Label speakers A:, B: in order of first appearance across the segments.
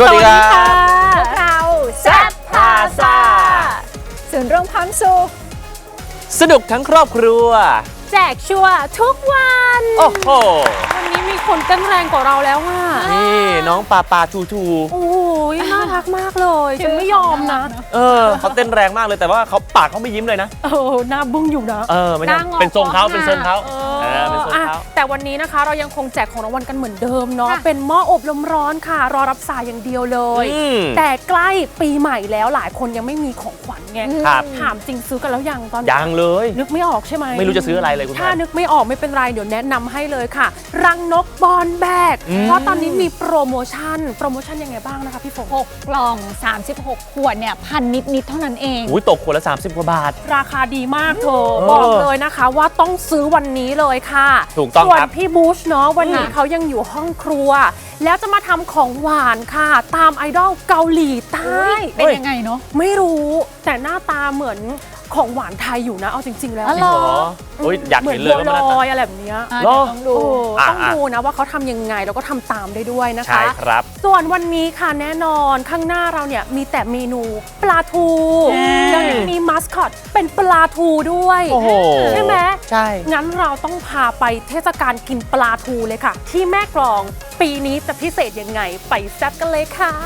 A: วัสดีครับ
B: พวกเราแซ่บพาซ่าศูนย์รวมความสุข
A: สนุกทั้งครอบครัว
B: แจกชัวร์ทุกวัน
A: โอ้โห
B: วันนี้มีคนเต้นแรงกว่าเราแล้วอ่ะ
A: นี่น้องปาทู
B: โอ้ยน่ารักมากเลยฉันไม่ยอมนะ
A: เขาเต้นแรงมากเลยแต่ว่าเขาปากเขาไม่ยิ้มเลยนะ
B: หน้าบึ้งอยู่นะ
A: ไม่ใช่เป็นทรงเขาเป็นทรงเขาเป็นทรงเขา
B: แต่วันนี้นะคะเรายังคงแจกของรางวัลกันเหมือนเดิมเนาะเป็นหม้ออบลมร้อนค่ะรอรับสายอย่างเดียวเลยแต่ใกล้ปีใหม่แล้วหลายคนยังไม่มีของขวัญไงถามจริงซื้อกันแล้วยังตอนนี้
A: ยังเลย
B: นึกไม่ออกใช่ไหม
A: ไม่รู้จะซื้ออะไรเลยคุณ
B: ถ้านึกไม่ออกไม่เป็นไรเดี๋ยวแนะนำให้เลยค่ะรังนกบอลแบกเพราะตอนนี้มีโปรโมชั่นยังไงบ้างนะคะพี่ฝน
C: 6 กล่อง36 ขวดเนี่ย1,000 นิดเท่านั้นเอง
A: ตกขวดละ30 กว่าบาท
B: ราคาดีมากเธอบอกเลยนะคะว่าต้องซื้อวันนี้เลยค่ะ
A: ถูกต้อง
B: ครับส่วนพี่บูชเนาะวันนี้เขายังอยู่ห้องครัวแล้วจะมาทำของหวานค่ะตามไอดอลเกาหลีใต้
C: เป็นยังไงเนาะ
B: ไม่รู้แต่หน้าตาเหมือนของหวานไทยอยู่นะเอาจริงๆแล้ว
A: อยากเห็นเลย
B: ว่ามันอะไรแบบนี้ต้องดูนะว่าเขาทำยังไงแล้วก็ทำตามได้ด้วยนะคะ
A: ใช่ครับ
B: ส่วนวันนี้ค่ะแน่นอนข้างหน้าเราเนี่ยมีแต่เมนูปลาทูแล้วยังมีมัสคอตเป็นปลาทูด้วยใช่ไหม
A: ใช่
B: งั้นเราต้องพาไปเทศกาลกินปลาทูเลยค่ะที่แม่กลองปีนี้จะพิเศษยังไงไปแซ่บกันเลยค่ะ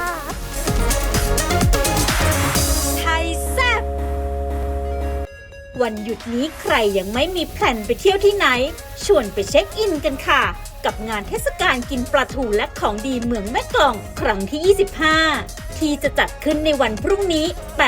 D: วันหยุดนี้ใครยังไม่มีแพลนไปเที่ยวที่ไหนชวนไปเช็คอินกันค่ะกับงานเทศกาลกินปลาทูและของดีเมืองแม่กลองครั้งที่ 25ที่จะจัดขึ้นในวันพรุ่งนี้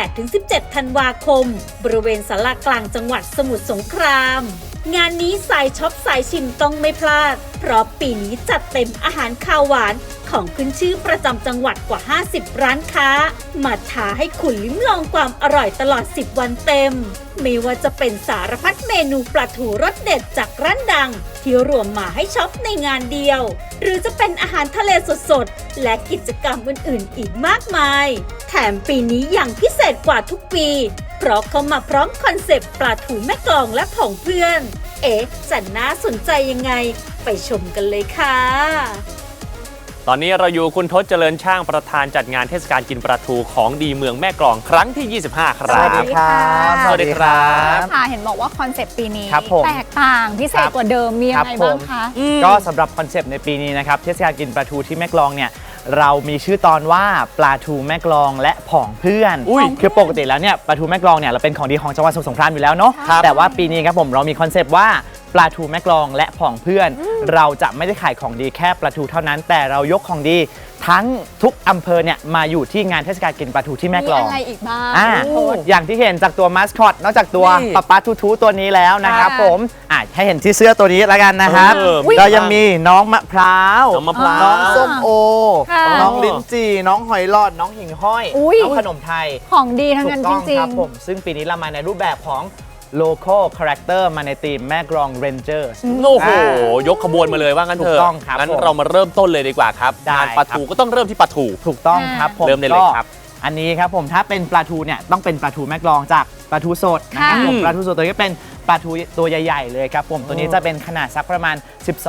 D: 8-17 ธันวาคมบริเวณศาลากลางจังหวัดสมุทรสงครามงานนี้สายช็อปสายชิมต้องไม่พลาดเพราะปีนี้จัดเต็มอาหารคาวหวานของขึ้นชื่อประจำจังหวัดกว่า50ร้านค้ามาท้าให้คุณลิ้มลองความอร่อยตลอด10วันเต็มไม่ว่าจะเป็นสารพัดเมนูปลาทูรสเด็ดจากร้านดังที่รวมมาให้ช็อปในงานเดียวหรือจะเป็นอาหารทะเลสดๆและกิจกรรมอื่นๆอีกมากมายแถมปีนี้อย่างพิเศษกว่าทุกปีเพราะเขามาพร้อมคอนเซปต์ปลาทูแม่กลองและผองเพื่อนจะน่าสนใจยังไงไปชมกันเลยค่ะ
A: ตอนนี้เราอยู่คุณทศเจริญช่างประธานจัดงานเทศกาลกินปลาทูของดีเมืองแม่กลองครั้งที่ 25 ครับ
C: สวัสดีครับ
A: สวัสดีครับ
C: ค่ะเห็นบอกว่าคอนเซปต์ปีนี้แตกต่างพิเศษกว่าเดิมมีอะไรบ้างคะ
E: ก็สำหรับคอนเซปต์ในปีนี้นะครับเทศกาลกินปลาทูที่แม่กลองเนี่ยเรามีชื่อตอนว่าปลาทูแม่กลองและผองเพื่อนคือปกติแล้วเนี่ยปลาทูแม่กลองเนี่ยเราเป็นของดีของจังหวัดสมุทรสงครามอยู่แล้วเนาะแต่ว่าปีนี้ครับผมเรามีคอนเซปต์ว่าปลาทูแม่กลองและผองเพื่อนเราจะไม่ได้ขายของดีแค่ปลาทูเท่านั้นแต่เรายกของดีทั้งทุกอำเภอเนี่ยมาอยู่ที่งานเทศกาลกินปลาทูที่แม่กลอง
C: มีอะไรอีกบ้าง
E: อย่างที่เห็นจากตัวมาสคอตนอกจากตัวปลาทูตัวนี้แล้วนะครับผมให้เห็นที่เสื้อตัวนี้แล้วกันนะครับเรายังมีน้องมะพร้าวน้องส้มโอน้องลิ้นจี่น้องหอยหลอดน้องหิ่งห้อยน้องขนมไทย
C: ของดีทั้งนั้นจริงๆ
E: ครับผมซึ่งปีนี้เรามาในรูปแบบของlocal character มาในทีมแม่กลอง Rangers
A: โอ้โหยกขบวนมาเลยว่างั้นเถอะงั้นเรามาเริ่มต้นเลยดีกว่าครับงานปลาทูก็ต้องเริ่มที่ปลาทู
E: ถูกต้องครับผม
A: เริ่มได้เลยครับ
E: อันนี้ครับผมถ้าเป็นปลาทูเนี่ยต้องเป็นปลาทูแม่กลองจากปลาทูสดนะครับผมปลาทูสดตัวนี้เป็นปลาทูตัวใหญ่ๆเลยครับผมตัวนี้จะเป็นขนาดสักประมาณ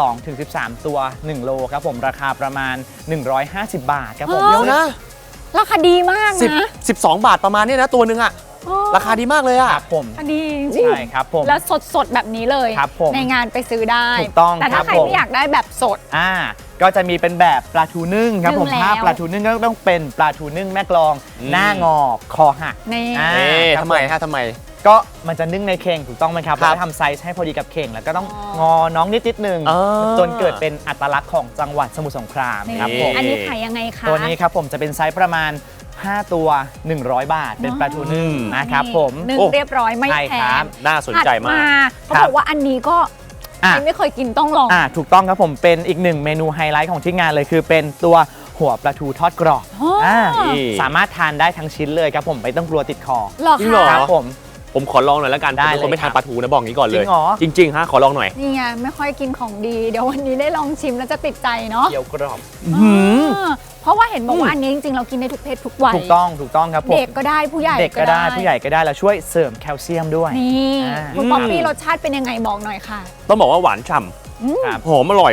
E: 12-13 ตัว1โลครับผมราคาประมาณ150 บาทครับผม
A: เดี๋ยวนะ
C: ราคาดีมากนะ
A: 12 บาทประมาณนี้นะตัวนึงอะราคาดีมากเลยอะ
E: ครับผม
C: ดี
E: ใช่ครับผม
C: แล้วสดแบบนี้เลยในงานไปซื้อได้
E: ถูกต้อง
C: แต่ถ้าใครไม่อยากได้แบบสด
E: ก็จะมีเป็นแบบปลาทูนึ่งครับผมถ้าปลาทูนึ่งก็ต้องเป็นปลาทูนึ่งแม่กลองหน้างอคอหัก
A: นี่ทำไมฮะทำไม
E: ก็มันจะนึ่งในเข่งถูกต้องไหมครับแล้วทำไซส์ให้พอดีกับเข่งแล้วก็ต้องงอน้องนิดนึงจนเกิดเป็นอัตลักษณ์ของจังหวัดสมุทรสงครามครับผม
C: อันนี้ขายยังไงคะ
E: ตัวนี้ครับผมจะเป็นไซส์ประมาณ5 ตัว100 บาทเป็นปลาทูนึ่งนะครับผม
C: นึ่งเรียบร้อยไม่แพง
A: น่าสนใจมาก
C: เขาบอกว่าอันนี้ก็ไม่เคยกินต้องลอง
E: ถูกต้องครับผมเป็นอีกหนึ่งเมนูไฮไลท์ของที่งานเลยคือเป็นตัวหัวปลาทูทอดกรอบสามารถทานได้ทั้งชิ้นเลยครับผมไม่ต้องกลัวติดคอ
A: จริงเหรอ
E: ครับ
A: ผมขอลองหน่อยแล้วกันผมเป็นคนไม่ทานปลาทูนะบอกงี้ก่อนเลยจริงฮะขอลองหน่อย
C: นี่ไงไม่ค่อยกินของดีเดี๋ยววันนี้ได้ลองชิมแล้วจะติดใจเนาะ
E: เกี๊ยวกรอบ
C: เพราะว่าเห็นบอกว่าอันนี้จริงๆเรากินได้ทุกเพศทุกวัย
E: ถูกต้องครับผม
C: เด็กก็ได้ผู้ใหญ่
E: ก็ได้ผู้ใหญ่ก็ได้แล้วช่วยเสริมแคลเซียมด้วย
C: นี่คุณป๊อปปี้รสชาติเป็นยังไงบอกหน่อยค่ะ
A: ต้องบอกว่าหวานฉ่ำหอมอร่อย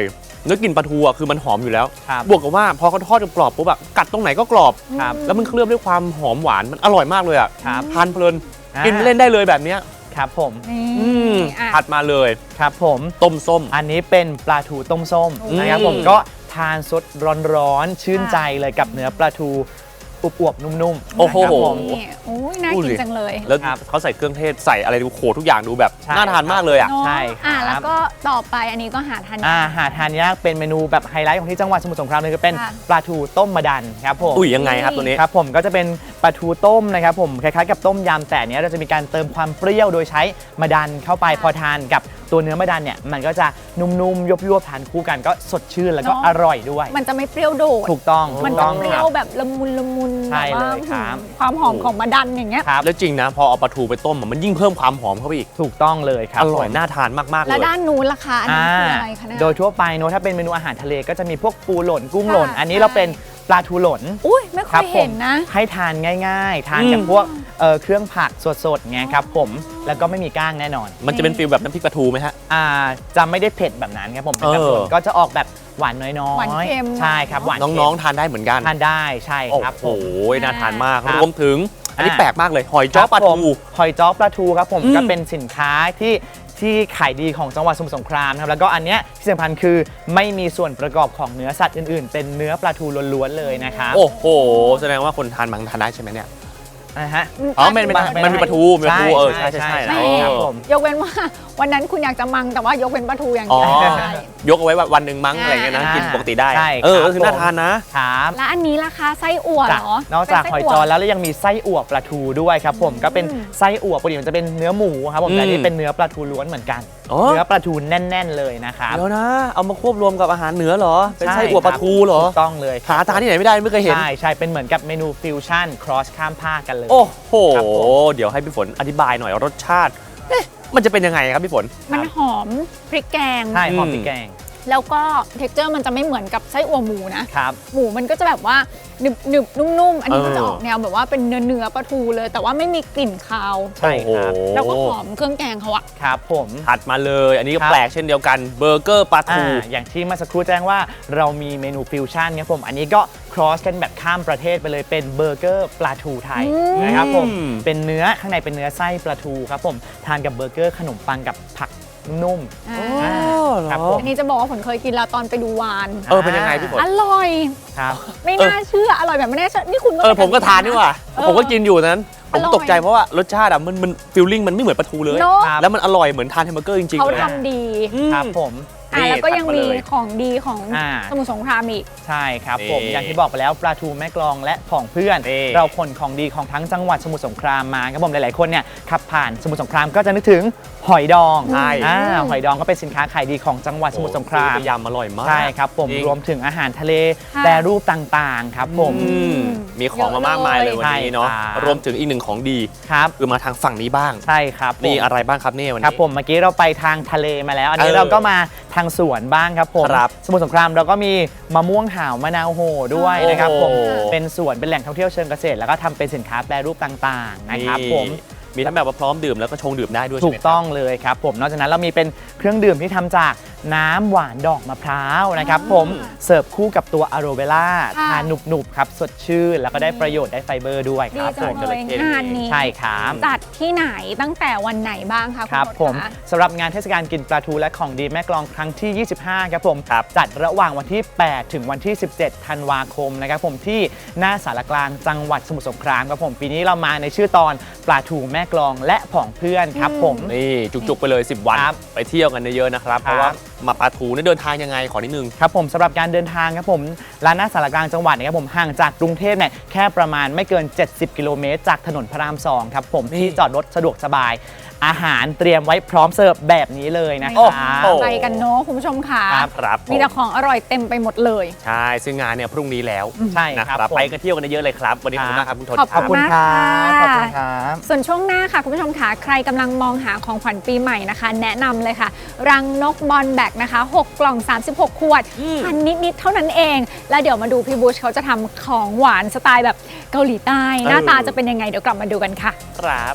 A: เนื้อกลิ่นปลาทูอ่ะคือมันหอมอยู่แล้ว
E: ครับ
A: บวกกับว่าพอเขาทอดกรอบปุ๊บแบบกัดตรงไหนก็กรอบ
E: ครับ
A: แล้วมันเคลือบด้วยความหอมหวานมันอร่อยมากเลยอ่ะ
E: ครับ
A: ทานเพลิน
E: อ่า
A: กินเล่นได้เลยแบบเนี้ย
E: ครับผม
C: นี่
A: อืม
C: อ่ะ
A: ถัดมาเลย
E: ครับผม
A: ต้มส้ม
E: อันนี้เป็นปลาทูต้มส้ม
A: อืม
E: นะครับผมก็ทานสดร้อนๆชื่นใจเลยกับเนื้อปลาทูอวบๆนุ่มๆ
A: โอ้โห
E: นะครับผม
C: นี่โอ้ยน่า
A: ดู
C: กิ
A: ดิ
C: นจังเลย
A: แล้ว
E: ครับ
A: เขาใส่เครื่องเทศใส่อะไรดูโขทุกอย่างดูแบบ
E: ใช่
A: น่าทานมากเลยอ่ะ
C: เนอะ
E: ใช่ครับ
C: แล้วก็ต่อไปอันนี้ก็หาทานยาก
E: หาทานยากเป็นเมนูแบบไฮไลท์ของที่จังหวัดสมุทรสงครามเลยก็เป็น
C: ค่ะ
E: ปลาทูต้มมะดันครับผม
A: อุ้ยยังไงครับตัวนี้
E: ครับผมก็จะเป็นปลาทูต้มนะครับผมคล้ายๆกับต้มยำแต่อันเนี้ยเราจะมีการเติมความเปรี้ยวโดยใช้มะดันเข้าไปพอทานกับตัวเนื้อมะดันเนี่ยมันก็จะนุ่มๆยวบๆทานคู่กันก็สดชื่นแล้วก็
C: เนอะ
E: อร่อยด้วย
C: มันจะไม่เปรี้ยวโดด
E: ถูกต้อง
C: มัน
E: ถูก
C: จะ
E: ต้อง
C: เป
E: ค
C: รี้ย
E: รั
C: ว
E: บ
C: แบบละมุนละมุน
E: ใช่
C: แบบว่า
E: เลยครับ
C: ความหอมของมะดันอย่างเงี้ย
E: ครับ
A: แล้วจริงนะพอเอาปลาทูไปต้มอะมันยิ่งเพิ่มความหอมเข้าไปอีก
E: ถูกต้องเลยครับ
A: อร่อย
E: ผม
A: น่าทานมากๆเล
C: แล้ว
A: ย
C: ด้านนู้นราคาอันนี้คืออะไรคะเนี่ย
E: โดยทั่วไปเนอะถ้าเป็นเมนูอาหารทะเลก็จะมีพวกปูหล่นกุ้งหล่น
C: ค่ะ
E: อันนี้เราเป็นปลาทูหล่น
C: อุ้ยไม่เค
E: ครับ
C: ย
E: ผ
C: เห็
E: ม
C: นนะ
E: ให้ทานง่ายๆ ทาน
A: อืม
E: กับพวกเครื่องผักสดๆไงครับผมแล้วก็ไม่มีก้างแน่นอน
A: มันจะเป็นฟิลแบบน้ำพริกปลาทูไหมฮะ
E: จะไม่ได้เผ็ดแบบนั้นครับผมเป็นแบบ
A: เออ
E: หล่นก็จะออกแบบหวานน้อยๆ
C: หวานเค็ม
E: ใช่ครับหวาน
A: น้องๆทานได้เหมือนกัน
E: ๆทานได้ใช่
A: โอ้
E: ครับผ
A: โห
E: ม
A: น่าทานมาก
E: ครับ
A: รวมถึงอันนี้
E: อ่า
A: แปลกมากเลย หอยจ้อปลา
E: ครับผม
A: ทู
E: หอยจ้อปลาทูครับผม
A: อืม
E: ก็เป็นสินค้าที่ขายดีของจังหวัดสมุทรสงครามนะครับแล้วก็อันเนี้ยที่สำคัญคือไม่มีส่วนประกอบของเนื้อสัตว์อื่นๆ เป็นเนื้อปลาทูล้วนๆเลยนะครับ
A: โอ้โห แสดงว่าคนทานบางทานได้ใช่ไหมเนี่ย
E: นะฮะ
A: อ๋อมันมีปลาทูมีปลาทูเออใช่ใช่
C: ไม่
A: เออ
E: ครับผม
C: ยกเว้นว่าวันนั้นคุณอยากจะมังแต่ว่ายกเว้นปลาทูอย่าง
A: อ๋อ
C: เดียวใช่
A: ยกเอาไว้วันหนึ่งมั้งอะไรเงี้ยนะ
E: อ่ากิ
A: กินปกติได้
E: ใช่
A: เออ
E: ครับ
A: ก็คือน่าทานนะ
E: ครับ
C: แล้วอันนี้ราคาไส้อั่วเหรอ
E: นอกจากหอยจอ
C: เป็นไส้
E: แล้วยังมีไส้อั่วปลาทูด้วยครับผมก็เป็นไส้อั่วปกติมันจะเป็นเนื้อหมูครับผมแต่อัน
A: อื
E: นี่
A: ม
E: เป็นเนื้อปลาทูล้วนเหมือนกัน
A: อ๋อ
E: เนื้อปลาทูแน่น ๆ เลยนะครับ
A: เดี๋ยวนะ เอามาควบรวมกับอาหารเหนือเหรอ เป็น
E: ใช่
A: ไส้อั่วปลาทูเหรอ
E: ถูกต้องเลย
A: หาทานที่ไหนไม่ได้ไม่เคยเห็น
E: ใช่เป็นเหมือนกับเมนูฟิวชั่นครอสข้ามภาคกันเลย
A: โอ้โห
E: ครับผม
A: เดี๋ยวให้พี่ฝนอธิบายหน่อยรสชาติเอ๊ะมันจะเป็นยังไงครับพี่ฝน
C: มันหอมพริกแกง
E: ใช่หอม
A: อืม
E: พริกแกง
C: แล้วก็เท็กเจอร์มันจะไม่เหมือนกับไส้อั่วหมูนะ
E: ครับ
C: หมูมันก็จะแบบว่าหนึบหนึบนุ่มๆ อันนี้
A: เออ
C: มันจะออกแนวแบบว่าเป็นเนื้อปลาทูเลย แต่ว่าไม่มีกลิ่นคาว
E: ใช่ครับ
A: โอ้โห
C: แล้วก็หอมเครื่องแกงเขาอะ
E: ครับผม
A: ถัดมาเลย อันนี้ก็
E: ครับ
A: แปลกเช่นเดียวกันเบอร์เกอร์ปลาทู
E: อย่างที่เมื่อสักครู่แจ้งว่าเรามีเมนูฟิวชั่นครับผมอันนี้ก็ครอสกันแบบข้ามประเทศไปเลยเป็นเบอร์เกอร์ปลาทูไทยนะครับผม
A: อืม
E: เป็นเนื้อข้างในเป็นเนื้อไส้ปลาทูครับผมทานกับเบอร์เกอร์ขนมปังกับผักนุ่ม
C: อ่า
E: อ่า ครับผม
C: อันนี้จะบอกว่าผมเคยกินแล้วตอนไปดูวาน
A: เออเป็นยังไงพี่ฝน
C: อร่อย
E: ครับ
C: ไม่น่าเชื่อ อร่อยแบบไม่น่าเชื่อ นี่คุณ
A: ผมก็ทานนี่หว่า
C: เออ
A: ผมก็กินอยู่นั้น ผม
C: อร่อย
A: ตกใจเพราะว่ารสชาติอะมันฟิลลิ่งมันไม่เหมือนปลาทูเลย
C: เนอะ
E: ครับ
A: แล้วมันอร่อยเหมือนทานแฮมเบอร์เกอร์จริงๆ
C: เขา
A: เลย
C: ทำดี
A: อืม
E: ครับผม
A: นี่
C: แล้วก็ยัง
A: ถัดมา
C: มี
A: เลย
C: ของดีของ
E: อ่า
C: สมุทรสงครามอีก
E: ใช่ครับผม
A: นี่
E: อย่างที่บอกไปแล้วปลาทูแม่กลองและผองเพื่อน
A: นี่
E: เราขนของดีของทั้งจังหวัดสมุทรสงครามมาครับผมหลายๆคนเนี่ยขับผ่านสมุทรสงครามก็จะนึกถึงหอยดอง
A: ใช่
E: หอยดองก็เป็นสินค้าขายดีของจังหวัดสมุทรสงคราม
A: โอ้โหยำอร่อยมาก
E: ใช่ครับผม
A: จริง
E: รวมถึงอาหารทะเล
C: ค่ะ
E: แปรรูปต่างๆครับผม
A: อืมมีของมามากมายเลยวันนี้เนาะ
E: ใช่ครับ
A: รวมถึงอีกหนึ่งของดี
E: ครับ
A: คือมาทางฝั่งนี้บ้าง
E: ใช่ครับผม
A: นี่อะไรบ้างครับเนี่ยวัน
E: ครับ
A: นี้
E: ผมเมื่อกี้เราไปทางทะเลมาแล้ว อันนี้
A: เออ
E: เราก็มาทางสวนบ้างครับผม
A: ครับ
E: สมุทรสงครามเราก็มีมะม่วงห่าวมะนาวโหด้วยนะครับผม
A: โอ้โห
E: เป็นสวนเป็นแหล่งท่องเที่ยวเชิงเกษตร แล้วก็ทำเป็นสินค้าแปรรูปต่างๆนะครับผม
A: มีทั้งแบบว่าพร้อมดื่มแล้วก็ชงดื่มได้ด้วย
E: ถู
A: ใช่ไหม
E: กต้องเลยครับผมนอกจากนั้นเรามีเป็นเครื่องดื่มที่ทำจากน้ำหวานดอกมะพร้าวนะครับผมเสิร์ฟคู่กับตัวอะโรเวล่า
C: ค่ะ
E: ทานหนุบๆครับสดชื่นแล้วก็ได้ประโยชน์ได้ไฟเบอร์ด้วยค
C: ดี
E: รับ
C: จั
E: ผ
C: ง
E: ม
C: เลยงานนี้
E: ใช่ครับ
C: จัดที่ไหนตั้งแต่วันไหนบ้างคะ
E: ครับ
C: ณ
E: ผม
C: คะ
E: สำหรับงานเทศกาลกินปลาทูและของดีแม่กลองครั้งที่ 25 ครับผม
A: ครับ
E: จัดระหว่างวันที่ 8 ถึงวันที่ 17 ธันวาคมนะครับผมที่หน้าสารกลางจังหวัดสมุทรสงครามครับผมปีนี้เรามาในชื่อตอนปลาทูแม่กลองและผองเพื่อนครับผม
A: นี่จุกๆไปเลย 10 วัน
E: ครับ
A: ไปเที่ยวกันเยอะๆนะครับ เพราะว่ามาปลาทูเนี่ยเดินทางยังไงขอนิดนึง
E: ครับผมสำหรับการเดินทางครับผมร้านหน้าสารกลางจังหวัดนะครับผมห่างจากกรุงเทพเนี่ยแค่ประมาณไม่เกิน 70 กิโลเมตรจากถนนพระราม 2 ครับผมที่จอดรถสะดวกสบาย อาหารเตรียมไว้พร้อมเสิร์ฟแบบนี้เลยนะค
A: โอ้
E: รับ
A: โห
C: ไปกันเนาะคุณผู้ชมค่ะ
A: ครับผ
C: มีแต่ของอร่อยเต็มไปหมดเลย
A: ใช่ซึ่งงานเนี่ยพรุ่งนี้แล้ว
E: ใช่
A: นะ
E: ค
A: ค
E: รั
A: รั
E: บบ ผม
A: ไปกันเที่ยวกันเยอะๆเลยครับ วันนี้ขอบคุณมากครับคุณทศ
C: ขอบ
E: ขอบคุณครับ
C: ข
E: ข
C: อ
E: อ
C: บบ คุ
E: คุณ ณ
C: ค่ะ
E: ครับ
C: ส่วนช่วงหน้าค่ะคุณผู้ชมค่ะใครกำลังมองหาของขวัญปีใหม่นะคะ แนะนำเลยค่ะ รังนกบอลแบกนะคะ 6 กล่อง 36 ขวดพันนิดๆเท่านั้นเอง แล้วเดี๋ยวมาดูพี่บูชเขาจะทำของหวานสไตล์แบบเกาหลีใต้ หน้าตาจะเป็นยังไงเดี๋ยวกลับมาดูกันค่ะ
A: ครับ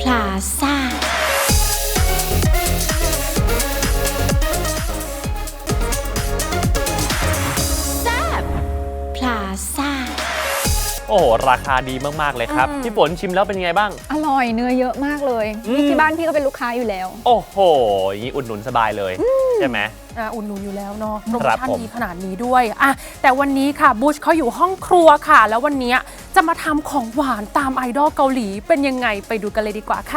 D: พลาซ่าแซ่บพลาซ่า
A: โอ้โหราคาดีมากๆเลยครับพี่ฝนชิมแล้วเป็นไงบ้าง
C: อร่อยเนื้อเยอะมากเลยนี่ที่บ้านพี่ก็เป็นลูกค้าอยู่แล้ว
A: โอ้โหอย่างนี้อุดหนุนสบายเลยใช่ไหม
B: อุ่นหนุนอยู่แล้วเนาะโปรโม
A: ครับ
B: ชั่น
A: ผม
B: ดีขนาดนี้ด้วยแต่วันนี้ค่ะบูชเขาอยู่ห้องครัวค่ะ แล้ววันนี้จะมาทำของหวานตามไอดอลเกาหลีเป็นยังไงไปดูกันเลยดีกว่าค่ะ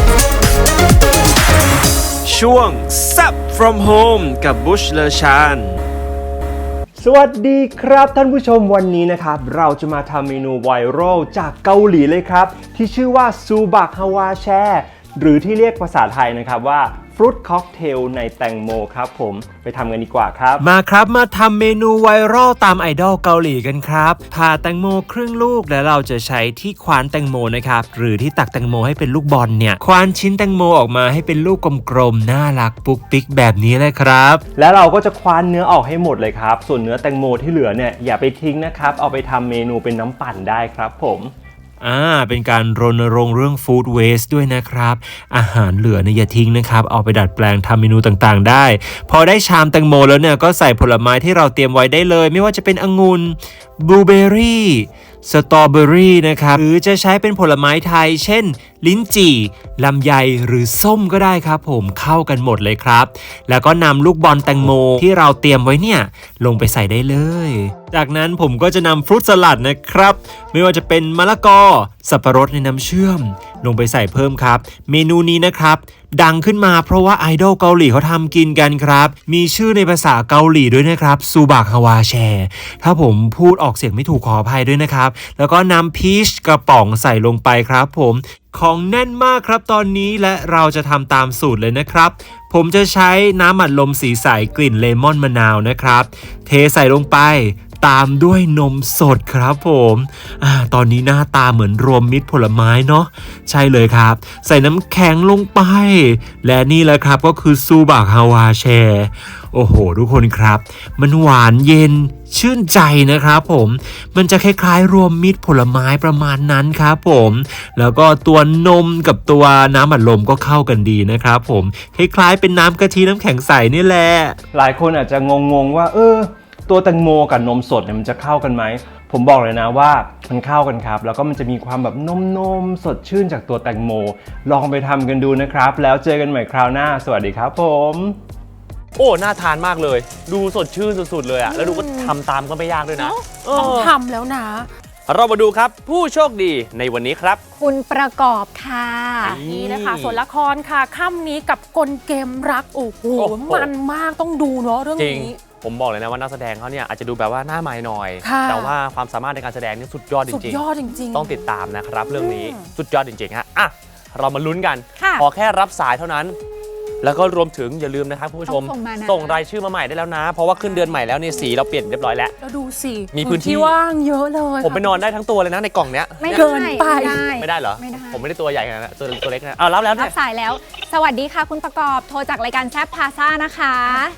F: ช่วง Zap from Home กับบุชเลชาน
G: สวัสดีครับท่านผู้ชมวันนี้นะครับเราจะมาทำเมนูไวรัลจากเกาหลีเลยครับที่ชื่อว่าซูบักฮาวาแชหรือที่เรียกภาษาไทยนะครับว่าฟรุตค็อกเทลในแตงโมครับผมไปทำกันดีกว่าครับมาครับมาทำเมนูไวรัลตามไอดอลเกาหลีกันครับผ่าแตงโมครึ่งลูกแล้วเราจะใช้ที่ควานแตงโมนะครับหรือที่ตักแตงโมให้เป็นลูกบอลเนี่ยควานชิ้นแตงโมออกมาให้เป็นลูกกลมๆน่ารักปุ๊กปิ๊กแบบนี้เลยครับแล้วเราก็จะควานเนื้อออกให้หมดเลยครับส่วนเนื้อแตงโมที่เหลือเนี่ยอย่าไปทิ้งนะครับเอาไปทำเมนูเป็นน้ำปั่นได้ครับผมเป็นการรณรงค์เรื่องฟู้ดเวสต์ด้วยนะครับอาหารเหลือเนี่ยอย่าทิ้งนะครับเอาไปดัดแปลงทำเมนูต่างๆได้พอได้ชามแตงโมแล้วเนี่ยก็ใส่ผลไม้ที่เราเตรียมไว้ได้เลยไม่ว่าจะเป็นองุ่นบลูเบอร์รี่สตรอเบอร์รี่นะครับหรือจะใช้เป็นผลไม้ไทยเช่นลิ้นจี่ลำไยหรือส้มก็ได้ครับผมเข้ากันหมดเลยครับแล้วก็นำลูกบอลแตงโมที่เราเตรียมไว้เนี่ยลงไปใส่ได้เลยจากนั้นผมก็จะนำฟรุตสลัดนะครับไม่ว่าจะเป็นมะละกอสับปะรดในน้ำเชื่อมลงไปใส่เพิ่มครับเมนูนี้นะครับดังขึ้นมาเพราะว่าไอดอลเกาหลีเขาทำกินกันครับมีชื่อในภาษาเกาหลีด้วยนะครับซูบักฮาวาแชถ้าผมพูดออกเสียงไม่ถูกขออภัยด้วยนะครับแล้วก็นำพีชกระป๋องใส่ลงไปครับผมของแน่นมากครับตอนนี้และเราจะทำตามสูตรเลยนะครับผมจะใช้น้ำอัดลมสีใสกลิ่นเลมอนมะนาวนะครับเทใส่ลงไปตามด้วยนมสดครับผมตอนนี้หน้าตาเหมือนรวมมิตรผลไม้เนาะใช่เลยครับใส่น้ำแข็งลงไปและนี่แหละครับก็คือซูบักฮาวาแชโอ้โหทุกคนครับมันหวานเย็นชื่นใจนะครับผมมันจะคล้ายๆรวมมิตรผลไม้ประมาณนั้นครับผมแล้วก็ตัวนมกับตัวน้ำอัดลมก็เข้ากันดีนะครับผมคล้ายๆเป็นน้ำกะทิน้ำแข็งใสนี่แหละหลายคนอาจจะงงๆว่าตัวแตงโมกับนมสดเนี่ยมันจะเข้ากันไหมผมบอกเลยนะว่ามันเข้ากันครับแล้วก็มันจะมีความแบบนมสดชื่นจากตัวแตงโมลองไปทำกันดูนะครับแล้วเจอกันใหม่คราวหน้าสวัสดีครับผม
A: โอ้น่าทานมากเลยดูสดชื่นสุดๆเลยแล้วดูก็ทำตามก็ไม่ยากด้วยนะ
B: ต้องทำแล้วนะ
A: เรามาดูครับผู้โชคดีในวันนี้ครับ
C: คุณประกอบค่ะ
B: นี่นะคะส่วนละครค่ะค่ำนี้กับกลเกมรักโอ้โหมันมากต้องดูเนาะเรื่องนี้
A: ผมบอกเลยนะว่านักแสดงเขาเนี่ยอาจจะดูแบบว่าหน้าใหม่หน่อยแต่ว่าความสามารถในการแสดงนี่สุดยอดจริงๆสุด
B: ยอดจริง
A: ๆต้องติดตามนะครับเรื่องนี้สุดยอดจริงๆฮะเรามาลุ้นกันขอแค่รับสายเท่านั้นแล้วก็รวมถึงอย่าลืมนะครับผู้ชมส่งรายชื่อมาใหม่ได้แล้วนะเพราะว่าขึ้นเดือนใหม่แล้วนี่สีเราเปลี่ยนเรียบร้อยแล้ว
B: ดูสิ
A: มีพื้นที่
B: ว่างเยอะเลย
A: ผมไปนอนได้ทั้งตัวเลยนะในกล่องเนี้ย
C: ไม่เกินไป
A: ไม่ได้เหรอผมไม่ได้ตัวใหญ่ขนาดนั้นตัวเล็กนะรับแล้ว
C: รับสายแล้วสวัสดีค่ะคุณประกอบโทรจากรายการแซ่บพาซ่านะคะ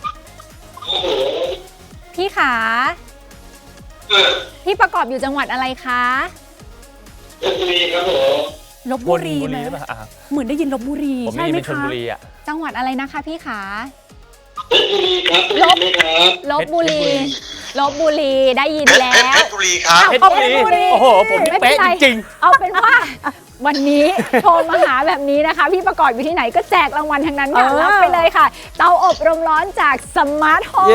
C: พี่ขาพี่ประกอบอยู่จังหวัดอะไรคะ
H: ลพบุรีครับผม
B: ลพบุรีไหมเหมือนได้ยินลพบุรีใช่ไหมคะ
C: จังหวัดอะไรนะคะพี่ขา
H: ลพบุรีครับ
C: ลพบุรีได้ยินแล้ว
H: เพชรบุรีครับ
A: เพชรบุรีโอ้โหผมเป๊ะจริง
C: ๆเอาเป็นว่าวันนี้โทรมาหาแบบนี้นะคะพี่ประกอบอยู่ที่ไหนก็แจกรางวัลทั้งนั้นค่ะรับไปเลยค่ะเตาอบลมร้อนจากสมาร์ทโฮม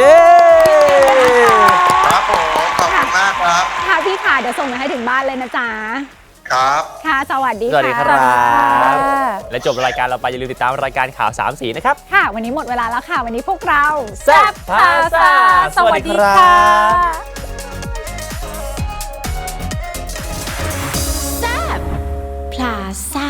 H: ครับผมขอบคุณมากครับ
C: ค่ะพี่ค่ะเดี๋ยวส่งมาให้ถึงบ้านเลยนะจ๊ะ
H: ครับ
C: ค่ะสวัสดีค่ะ
A: และจบรายการเราไปอย่าลืมติดตามรายการข่าว3สีนะครับ
C: ค่ะวันนี้หมดเวลาแล้วค่ะวันนี้พวกเรา
A: แซ่บพาซ่าสวัสดีค่ะ
D: แซ่บพลาซ่า